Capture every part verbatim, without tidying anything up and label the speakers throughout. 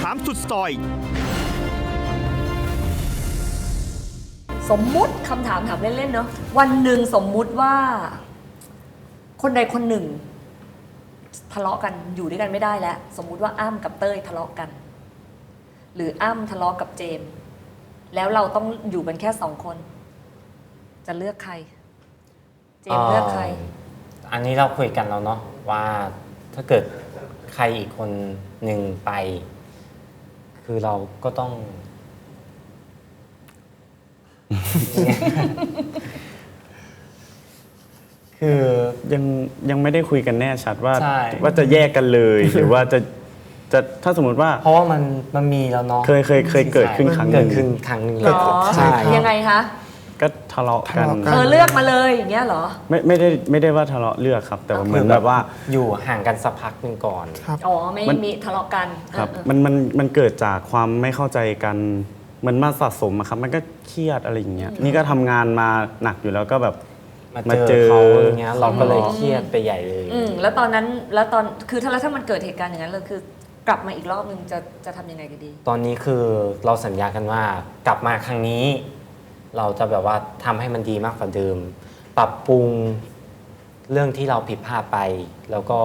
Speaker 1: ามสุดซอย
Speaker 2: สมมุติคำถามถามเล่นๆเนาะวันหนึ่งสมมุติว่า คนใดคนหนึ่ง ทะเลาะกันอยู่ด้วยกันไม่ได้แล้วสมมุติว่าอ้ำกับเต้ยทะเลาะกัน หรืออ้ำทะเลาะกับเจมส์แล้วเราต้องอยู่กันแค่สองคน จะเลือกใคร เจมส์เลือกใคร
Speaker 3: อันนี้เราคุยกันแล้วเนาะว่าถ้าเกิดใครอีกคนหนึ่งไป คือเราก็ต้อง คือ
Speaker 4: ยังยังไม่ได้คุยกันแน่ชัดว่า
Speaker 3: ใช่
Speaker 4: ว่าจะแยกกันเลย หรือว่าจะจะถ้าสมมติว่า
Speaker 3: เพราะว่ามันมันมีแล้วเนาะ
Speaker 4: เคยเคยเคยเกิดขึ้นครั้งหนึ่
Speaker 3: เกิ
Speaker 4: ง
Speaker 3: ดขึ้นครั้งหนึ่ง
Speaker 2: หรอ
Speaker 3: ใช่
Speaker 2: ยังไงคะ
Speaker 4: ก็ทะเลาะกัน
Speaker 5: ทะเลาะกั
Speaker 2: เธอเลือกมาเลยอย่างเงี้ยเหรอ
Speaker 4: ไม่ไม่ได้ไม่ได้ว่าทะเลาะเลือกครับ แต่ว่าเหมือนแบบว่า
Speaker 3: อยู่ห่างกันสักพักหนึ่งก่อน
Speaker 5: ครับ
Speaker 2: อ๋อไม่
Speaker 4: มัน
Speaker 2: มีทะเลาะกัน
Speaker 4: ครับ
Speaker 2: เออ
Speaker 4: มันมันมันเกิดจากความไม่เข้าใจกันมันมาสะสมอะครับมันก็เครียดอะไรอย่างเงี้ยนี่ก็ทำงานมาหนักอยู่แล้วก็แบบ
Speaker 3: มา
Speaker 4: มา
Speaker 3: เจ
Speaker 4: เจ
Speaker 3: อ
Speaker 4: อ
Speaker 3: เขาอย่างเงี้ยเราก็เลยเครียดไปใหญ่เลย
Speaker 2: อืมแล้วตอนนั้นแล้วตอนคือถ้าแล้วถ้ามันเกิดเหตุการณ์อย่างนั้นเลยคือกลับมาอีกรอบนึงจะจะทำยังไงกันดี
Speaker 3: ตอนนี้คือเราสัญญากันว่ากลับมาครั้งนี้ เราจะแบบว่าทำให้มันดีมากกว่าเดิม ปรับปรุงเรื่องที่เราผิดพลาดไป แล้วก็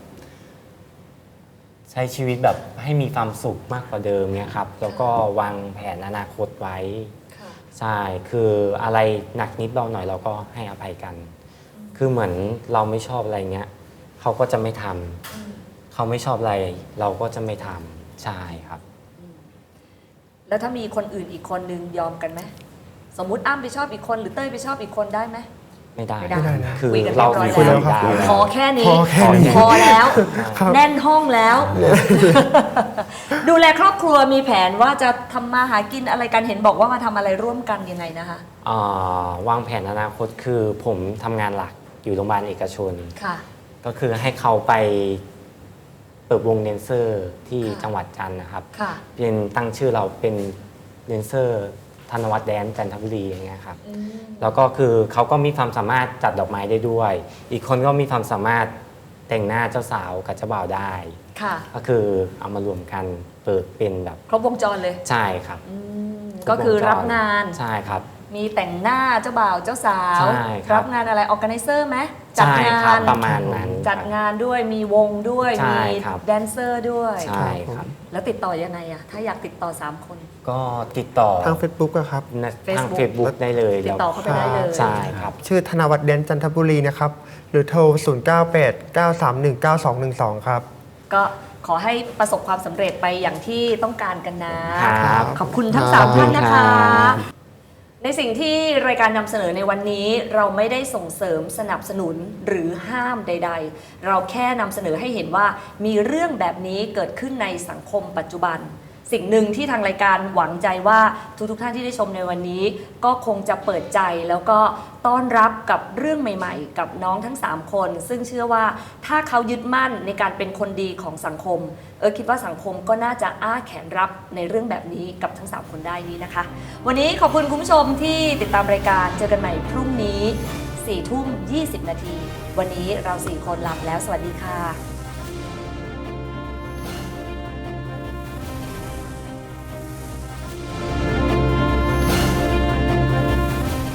Speaker 3: ใช้ชีวิตแบบให้มีความสุขมากกว่าเดิมเนี่ยครับ แล้วก็วางแผนอนาคตไว้ ใช่ คืออะไรหนักนิดเบาหน่อยเราก็ให้อภัยกัน คือเหมือนเราไม่ชอบอะไรเงี้ยเขาก็จะไม่ทำเขาไม่ชอบอะไร เราก็จะไม่ทำใช่ครับ
Speaker 2: แล้วถ้ามีคนอื่นอีกคนนึงยอมกันไหมสมมุติอ้ำไปชอบอีกคนหรือเต้ยไปชอบอีกคนได้ไหม
Speaker 3: ไม่ได้
Speaker 2: ไม่ได้
Speaker 5: ไม่ได้นะ
Speaker 3: คือ
Speaker 2: คุยกันเรี
Speaker 3: เรา
Speaker 2: ยบร้อย
Speaker 3: คุย
Speaker 2: แล้
Speaker 3: แล้ว วได้
Speaker 2: พอแค่นี้
Speaker 5: พอแค่นี้
Speaker 2: พอแล้ว
Speaker 5: ครับ
Speaker 2: แน่นห้องแล้ว ดูแลครอบครัวมีแผนว่าจะทำมาหากินอะไรกันเห็นบอกว่ามาทำอะไรร่วมกันยังไงนะคะ
Speaker 3: อ่าวางแผนอนาคตคือผมทำงานหลักอยู่โรงพยาบาลเอกชน
Speaker 2: ค่ะ
Speaker 3: ก็คือให้เขาไปเปิดวงเดนเซอร์ที่
Speaker 2: ค่ะ
Speaker 3: จังหวัดจันทร์นะครับ
Speaker 2: ค่ะ
Speaker 3: เป็นตั้งชื่อเราเป็นเดนเซอร์ธนวัฒน์แดนซ์จันทบุรีอย่างเงี้ยครับ
Speaker 2: อืม
Speaker 3: แล้วก็คือเขาก็มีความสามารถจัดดอกไม้ได้ด้วย อีกคนก็มีความสามารถแต่งหน้าเจ้าสาวกับเจ้าบ่าวได้
Speaker 2: ค่ะ
Speaker 3: ก็คือเอามารวมกันเปิดเป็นแบบ
Speaker 2: ครบวงจรเลย
Speaker 3: ใช่ครับ
Speaker 2: อืมก็คือรับงาน
Speaker 3: ใช่ครับ
Speaker 2: มีแต่งหน้าเจ้าบ่าวเจ้าสาว
Speaker 3: ใช่ครับ
Speaker 2: รับงานอะไรออแกไนเซอร์ไหมจัด
Speaker 3: ใช่
Speaker 2: งา
Speaker 3: ครับ
Speaker 2: น
Speaker 3: ประมาณนั้น
Speaker 2: จัดงานด้วยมีวงด้วย
Speaker 3: ใช่
Speaker 2: มี
Speaker 3: ครับ
Speaker 2: แดนเซอร์ด้วย
Speaker 3: ใช่ครับ
Speaker 2: แล้วติดต่อยังไงอะถ้าอยากติดต่อสามคน
Speaker 3: ก็ติดต่อ
Speaker 5: ทาง Facebook อะครับ
Speaker 3: ทาง
Speaker 2: Facebook
Speaker 3: เฟซบุ๊กได้เลย
Speaker 2: ติดต่อเข้าไปได้เลย
Speaker 3: ใช่ครับ
Speaker 5: ชื่อธนวัฒน์เดนจันทบุรีนะครับ หรือโทร ศูนย์ เก้า แปด เก้า สาม หนึ่ง เก้า สอง หนึ่ง สอง ครับ
Speaker 2: ก็ขอให้ประสบความสำเร็จไปอย่างที่ต้องการกันนะ
Speaker 3: ครับ
Speaker 2: ขอบคุณทั้ง
Speaker 5: ครับ
Speaker 2: สาม
Speaker 3: ขอบคุ
Speaker 2: ท่า
Speaker 3: ณ
Speaker 2: นนะ
Speaker 3: ครั
Speaker 2: คะ
Speaker 3: บ
Speaker 2: ในสิ่งที่รายการนำเสนอในวันนี้เราไม่ได้ส่งเสริมสนับสนุนหรือห้ามใด ๆ เราแค่นำเสนอให้เห็นว่ามีเรื่องแบบนี้เกิดขึ้นในสังคมปัจจุบัน สิ่งหนึ่งที่ทางรายการหวังใจว่าทุกๆท่านที่ได้ชมในวันนี้ ก็คงจะเปิดใจแล้วก็ต้อนรับกับเรื่องใหม่ๆ กับน้องทั้งสามคน ซึ่งเชื่อว่าถ้าเขายึดมั่นในการเป็นคนดีของสังคม เออคิดว่าสังคมก็น่าจะอ้าแขนรับในเรื่องแบบนี้กับทั้งสามคนได้นี้นะคะ วันนี้ขอบคุณคุณผู้ชมที่ติดตามรายการเจอกันใหม่พรุ่งนี้สี่ทุ่มยี่สิบนาทีวันนี้เราสี่คนลาไปแล้วสวัสดีค่ะ